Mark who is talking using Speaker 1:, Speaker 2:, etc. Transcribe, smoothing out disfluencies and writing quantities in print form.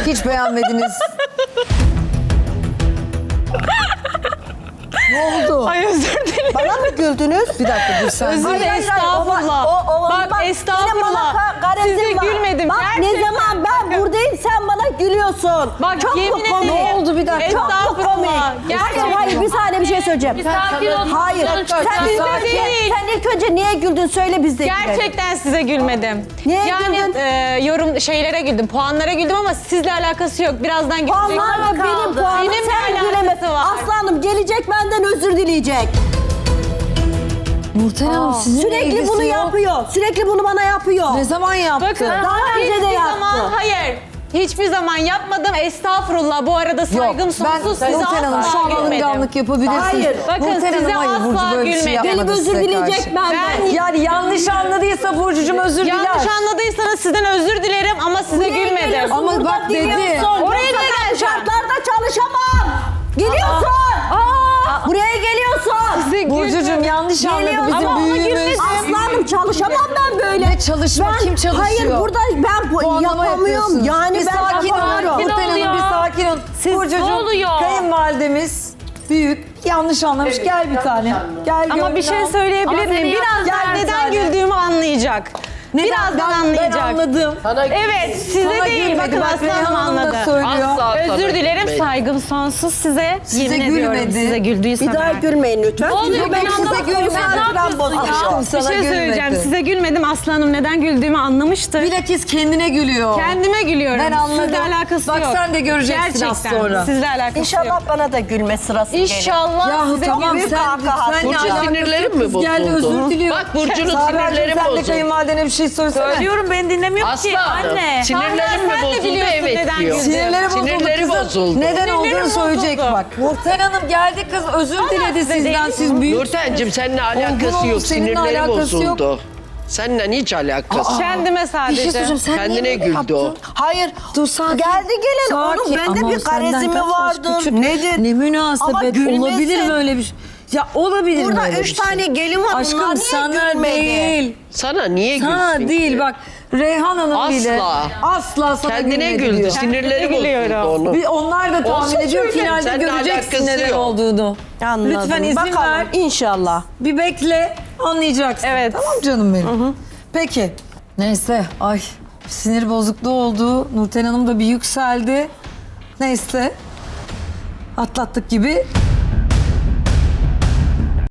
Speaker 1: Hiç beğenmediniz. Ne oldu?
Speaker 2: Ay özür dilerim.
Speaker 3: Bana mı güldünüz?
Speaker 1: Bir dakika dur sen.
Speaker 2: Özür dilerim, estağfurullah. Bak estağfurullah. Size gülmedim.
Speaker 3: Bak ne
Speaker 2: Gerçekten.
Speaker 3: zaman ben buradayım sen bana gülüyorsun.
Speaker 2: Bak
Speaker 3: çok
Speaker 2: yemin
Speaker 3: mu komik?
Speaker 2: ederim.
Speaker 1: Ne oldu bir dakika?
Speaker 3: Çok mu
Speaker 2: Estağfurullah.
Speaker 3: komik?
Speaker 2: Gerçekten.
Speaker 3: Hayır bir saniye bir şey söyleyeceğim.
Speaker 4: Sakin ol.
Speaker 3: Hayır.
Speaker 2: Sen bizde değil.
Speaker 3: Sen ilk önce niye güldün söyle biz de gülelim.
Speaker 2: Gerçekten size gülmedim.
Speaker 3: Niye
Speaker 2: yani
Speaker 3: güldün?
Speaker 2: yorum şeylere güldüm, puanlara güldüm ama sizle alakası yok. Birazdan gülecek.
Speaker 3: Puanlarla benim puanım
Speaker 2: Benimle
Speaker 3: sen
Speaker 2: alakası
Speaker 3: gülemezsin.
Speaker 2: var.
Speaker 3: Aslanım gelecek benden özür dileyecek.
Speaker 1: Nurten Hanım sizinle
Speaker 3: Sürekli
Speaker 1: ilgisi
Speaker 3: bunu
Speaker 1: yok.
Speaker 3: yapıyor. Sürekli bunu bana yapıyor.
Speaker 1: Ne zaman yaptı?
Speaker 2: Bakın
Speaker 3: Daha önce de
Speaker 2: hiçbir
Speaker 3: yaptı.
Speaker 2: zaman hayır. Hiçbir zaman yapmadım. Estağfurullah. Bu arada saygım sonsuz. Size
Speaker 1: Nurten Hanım şu
Speaker 2: asla
Speaker 1: an
Speaker 2: gülmedim.
Speaker 1: alınganlık yapabilirsiniz.
Speaker 3: Hayır.
Speaker 2: Bakın
Speaker 1: Nurten
Speaker 2: size
Speaker 1: Hanım, hayır,
Speaker 2: asla
Speaker 1: Burcu böyle bir şey
Speaker 2: gülmedim.
Speaker 1: yapmadı
Speaker 3: Gelip özür
Speaker 1: size
Speaker 3: dileyecek
Speaker 1: karşı.
Speaker 3: benden.
Speaker 1: Yani yanlış anladıysa Burcu'cum özür diler.
Speaker 2: Yanlış anladıysanız sizden özür dilerim ama size gülmedim.
Speaker 3: Geliyorsun,
Speaker 1: Ama
Speaker 3: burada
Speaker 1: bak dedi.
Speaker 3: dinliyorsun.
Speaker 2: Oraya
Speaker 3: Yoksa
Speaker 2: da
Speaker 3: ben bu
Speaker 2: geleceğim.
Speaker 3: şartlarda çalışamam. Geliyorsun. Buraya geliyorsun.
Speaker 2: Size
Speaker 1: Burcu'cum
Speaker 2: gülmedim.
Speaker 1: yanlış anladı
Speaker 3: Geliyor.
Speaker 1: bizim
Speaker 2: Ama ona
Speaker 1: büyüğümüz.
Speaker 2: gülmedim.
Speaker 3: Aslanım çalışamam ben böyle.
Speaker 1: Ne çalışma, kim çalışıyor?
Speaker 3: Hayır burada ben
Speaker 1: Puanlama
Speaker 3: yapamıyorum.
Speaker 1: yapıyorsunuz.
Speaker 3: Yani
Speaker 1: bir
Speaker 3: ben
Speaker 1: sakin olun.
Speaker 3: yapamıyorum.
Speaker 1: Nurten Hanım
Speaker 4: oluyor?
Speaker 1: bir sakin olun.
Speaker 4: Ne
Speaker 1: Burcu'cum
Speaker 4: oluyor?
Speaker 1: kayınvalidemiz büyük yanlış anlamış. Gel bir tane. Gel
Speaker 2: Ama
Speaker 1: gönlüm
Speaker 2: bir şey
Speaker 1: al.
Speaker 2: söyleyebilir
Speaker 4: Ama
Speaker 2: miyim?
Speaker 4: seni
Speaker 2: Birazdan
Speaker 1: Gel bir
Speaker 2: neden
Speaker 1: tane.
Speaker 2: güldüğümü anlayacak. Birazdan
Speaker 1: Ben
Speaker 2: anlayacak.
Speaker 1: anladım.
Speaker 2: Evet, size
Speaker 1: Sana
Speaker 2: değil.
Speaker 1: gülmedi.
Speaker 2: Bakın
Speaker 1: Bak
Speaker 2: Aslan
Speaker 1: Reyhan
Speaker 2: Hanım
Speaker 1: Hanım da
Speaker 2: anladı.
Speaker 1: söylüyor.
Speaker 4: Asla.
Speaker 2: Özür dilerim, saygım sonsuz size.
Speaker 1: Size
Speaker 2: Yemin ediyorum
Speaker 1: gülmedi.
Speaker 2: size güldüysem.
Speaker 3: Bir daha
Speaker 2: eğer.
Speaker 3: gülmeyin lütfen.
Speaker 4: Ne oluyor?
Speaker 3: Çünkü ben
Speaker 4: Bir anda
Speaker 3: size gülmem.
Speaker 4: ne yapıyorsun ya?
Speaker 1: Aşkım
Speaker 2: Bir
Speaker 1: sana
Speaker 2: şey söyleyeceğim.
Speaker 1: gülmedi.
Speaker 2: Size gülmedim. Aslı Hanım neden güldüğümü anlamıştı.
Speaker 1: Bilakis kendine gülüyor.
Speaker 2: Kendime gülüyorum.
Speaker 1: Ben anladım.
Speaker 2: Sizle alakası
Speaker 1: Bak
Speaker 2: yok.
Speaker 1: sen de göreceksin
Speaker 2: Gerçekten.
Speaker 1: az sonra.
Speaker 2: Sizle alakası
Speaker 3: İnşallah
Speaker 2: yok.
Speaker 3: bana da gülme sırası gelir.
Speaker 2: İnşallah
Speaker 1: Yahu
Speaker 2: size
Speaker 1: tamam
Speaker 3: büyük
Speaker 1: sen
Speaker 3: kahkaha.
Speaker 1: lütfen
Speaker 4: Burcu
Speaker 1: alakası
Speaker 4: sinirlerim
Speaker 1: yok.
Speaker 4: mi
Speaker 1: Kız geldi
Speaker 4: bozuldu?
Speaker 1: özür diliyor.
Speaker 4: Bak Burcu'nun
Speaker 1: Sabracığım,
Speaker 4: sinirleri
Speaker 1: sen de
Speaker 4: bozuldu.
Speaker 1: kayınvalidene bir şey söylesene.
Speaker 2: Söylüyorum ben dinlemiyorum ki.
Speaker 4: Asla.
Speaker 2: Anne.
Speaker 4: Sinirlerim mi
Speaker 2: Sen de
Speaker 4: bozuldu?
Speaker 2: biliyorsun
Speaker 4: Evet
Speaker 2: neden
Speaker 4: diyor.
Speaker 2: güldüm.
Speaker 1: Sinirleri bozuldu
Speaker 4: Sinirleri
Speaker 1: kızım.
Speaker 4: bozuldu.
Speaker 1: Neden
Speaker 2: Sinirlerim
Speaker 1: olduğunu söyleyecek
Speaker 2: bozuldu.
Speaker 1: bak. Nurten Hanım geldi kız özür diledi
Speaker 2: size
Speaker 1: sizden.
Speaker 2: değil.
Speaker 1: Siz büyük.
Speaker 4: Nurten'cim seninle alakası
Speaker 1: olun,
Speaker 4: yok.
Speaker 1: seninle
Speaker 4: Sinirleri
Speaker 1: alakası yok.
Speaker 4: bozuldu. Seninle hiç alakası.
Speaker 2: Kendime
Speaker 1: Bir şey
Speaker 2: sadece.
Speaker 1: söyleyeceğim sen
Speaker 4: Kendine
Speaker 1: niye böyle
Speaker 4: güldü o.
Speaker 1: yaptın?
Speaker 3: Hayır.
Speaker 1: Dur sakin.
Speaker 3: Geldi gelin. Onun
Speaker 1: Sakin.
Speaker 3: bende
Speaker 1: Ama
Speaker 3: bir
Speaker 1: o senden
Speaker 3: garezi mi
Speaker 1: kaç yaş
Speaker 3: vardı?
Speaker 1: küçük?
Speaker 3: Nedir?
Speaker 1: Ne münasebet
Speaker 3: Ama gülmesin.
Speaker 1: olabilir böyle bir şey. Ya olabilir
Speaker 3: Burada
Speaker 1: böyle
Speaker 3: 3
Speaker 1: bir şey.
Speaker 3: tane gelin var.
Speaker 1: Aşkım
Speaker 3: Bunlar niye
Speaker 1: sana
Speaker 3: gülmedi?
Speaker 1: değil.
Speaker 4: Sana niye
Speaker 1: Sana
Speaker 4: gülsün
Speaker 1: değil
Speaker 4: ki?
Speaker 1: bak. Reyhan Hanım
Speaker 4: Asla.
Speaker 1: bile asla sana
Speaker 4: Kendine
Speaker 1: gülmedi
Speaker 4: güldü.
Speaker 1: diyor.
Speaker 4: Sinirleri
Speaker 2: gülüyorum.
Speaker 4: bozuldu onun.
Speaker 1: Bir onlar da tahmin
Speaker 4: Olsun
Speaker 1: ediyor.
Speaker 4: söyle,
Speaker 1: Finalde
Speaker 4: seninle
Speaker 1: göreceksin
Speaker 4: alakası
Speaker 1: neden
Speaker 4: yok.
Speaker 1: olduğunu.
Speaker 3: Anladım.
Speaker 1: Lütfen izin
Speaker 3: Bakalım,
Speaker 1: ver.
Speaker 3: İnşallah.
Speaker 1: Bir bekle anlayacaksın.
Speaker 2: Evet.
Speaker 1: Tamam canım benim. Peki. Neyse. Ay sinir bozukluğu oldu. Nurten Hanım da bir yükseldi. Neyse. Atlattık gibi.